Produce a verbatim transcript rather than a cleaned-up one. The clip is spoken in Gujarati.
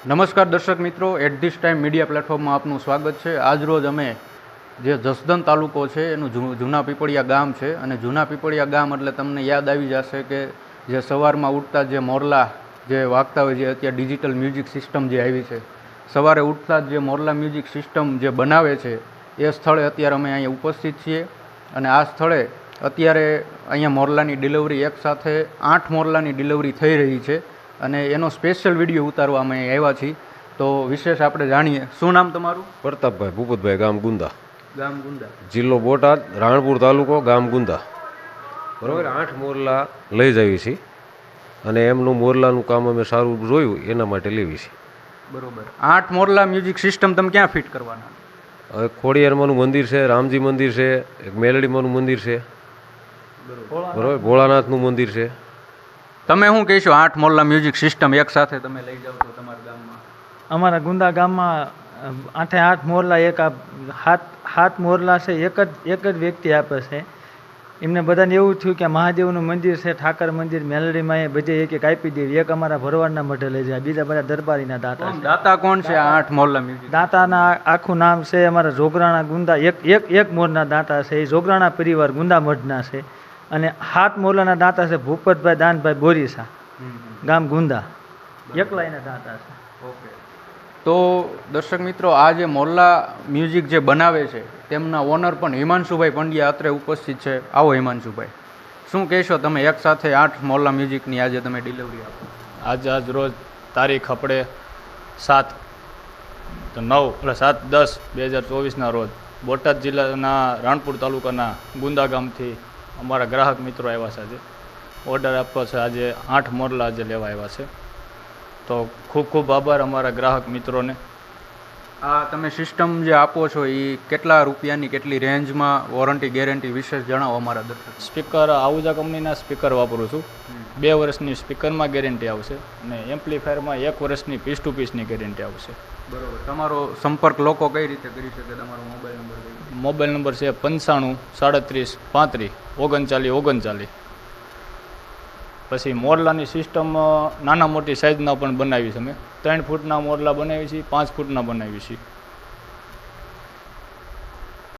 નમસ્કાર દર્શક મિત્રો, એટ ધીસ ટાઈમ મીડિયા પ્લેટફોર્મમાં આપનું સ્વાગત છે। આજરોજ અમે જે જસદણ તાલુકો છે એનું જૂના પીપળિયા ગામ છે અને જૂના પીપળિયા ગામ એટલે તમને યાદ આવી જશે કે જે સવારમાં ઉઠતા જે મોરલા જે વાગતા હોય, જે અત્યારે ડિજિટલ મ્યુઝિક સિસ્ટમ જે આવી છે, સવારે ઉઠતા જ જે મોરલા મ્યુઝિક સિસ્ટમ જે બનાવે છે એ સ્થળે અત્યારે અમે અહીંયા ઉપસ્થિત છીએ। અને આ સ્થળે અત્યારે અહીંયા મોરલાની ડિલિવરી એકસાથે આઠ મોરલાની ડિલિવરી થઈ રહી છે અને એનો સ્પેશિયલ વિડીયો ઉતારવા અમે આવ્યા છીએ। તો વિશેષ આપણે જાણીએ। શું નામ તમારું? પ્રતાપભાઈ ભૂપતભાઈ, ગામ ગુંદા, ગામ ગુંદા, જિલ્લો બોટાદ, રાણપુર તાલુકો, ગામ ગુંદા। બરાબર, આઠ મોરલા લઈ જઈએ છીએ અને એમનું મોરલાનું કામ અમે સારું જોયું એના માટે લેવી છે। બરોબર, આઠ મોરલા મ્યુઝિક સિસ્ટમ તમે ક્યાં ફિટ કરવાના? હવે ખોડિયારમાંનું મંદિર છે, રામજી મંદિર છે, એક મેલડીમાંનું મંદિર છે, બરાબર, ભોળાનાથનું મંદિર છે। તમે શું કહેશો, આઠ મોરલા મ્યુઝિક સિસ્ટમ એક સાથે તમે લઈ જાઓ છો તમારા ગામમાં? અમારા ગુંદા ગામમાં આઠે આઠ મોરલા એક હાથ હાથ મોરલા છે, એક જ એક જ વ્યક્તિ આપે છે। એમને બધાને એવું થયું કે મહાદેવનું મંદિર છે, ઠાકર મંદિર, મેલડીમાં એ બધે એક એક આપી દેવી। એક અમારા ભરવાડના મઢે લઈ જાય, બીજા બધા દરબારીના દાતા છે। દાતા કોણ છે આ આઠ મોરલા મ્યુઝિક? દાતાના આખું નામ છે અમારા જોગરાણા ગુંદા, એક એક એક મોરના દાતા છે, એ જોગરાણા પરિવાર ગુંદા મઢના છે। અને હાથ મોરલાના દાતા છે ભૂપતભાઈ દાનભાઈ બોરીસા, ગામ ગુંદા, એકલા એના દાતા છે। ઓકે, તો દર્શક મિત્રો, આ જે મોરલા મ્યુઝિક જે બનાવે છે તેમના ઓનર પણ હિમાંશુભાઈ પંડ્યા અત્રે ઉપસ્થિત છે। આવો હિમાંશુભાઈ, શું કહેશો તમે, એક સાથે આઠ મોરલા મ્યુઝિકની આજે તમે ડિલિવરી આપો? આજ આજ રોજ તારીખ આપણે સાત નવ એટલે સાત દસ બે હજાર ચોવીસના રોજ બોટાદ જિલ્લાના રાણપુર તાલુકાના ગુંદા ગામથી અમારા ગ્રાહક મિત્રો આવ્યા છે। આજે ઓર્ડર આપવો છે, આજે આઠ મોરલા આજે લેવા આવ્યા છે। તો ખૂબ ખૂબ આભાર અમારા ગ્રાહક મિત્રોને। આ તમે સિસ્ટમ જે આપો છો એ કેટલા રૂપિયાની, કેટલી રેન્જમાં, વોરંટી ગેરંટી વિશેષ જણાવો અમારા દર્શક। સ્પીકર આહુજા કંપનીના સ્પીકર વાપરું છું। બે વર્ષની સ્પીકરમાં ગેરંટી આવશે અને એમ્પ્લીફાયરમાં એક વર્ષની પીસ ટુ પીસની ગેરંટી આવશે। બરોબર, તમારો સંપર્ક લોકો કઈ રીતે કરી શકે? તમારો મોબાઈલ નંબર કઈ? મોબાઈલ નંબર છે પંચાણું સાડત્રીસ પાંત્રીસ ઓગણચાલીસ ઓગણચાલીસ। પછી મોરલાની સિસ્ટમ નાના મોટી સાઇઝના પણ બનાવી છે। અમે ત્રણ ફૂટના મોરલા બનાવી છીએ, પાંચ ફૂટના બનાવી છીએ।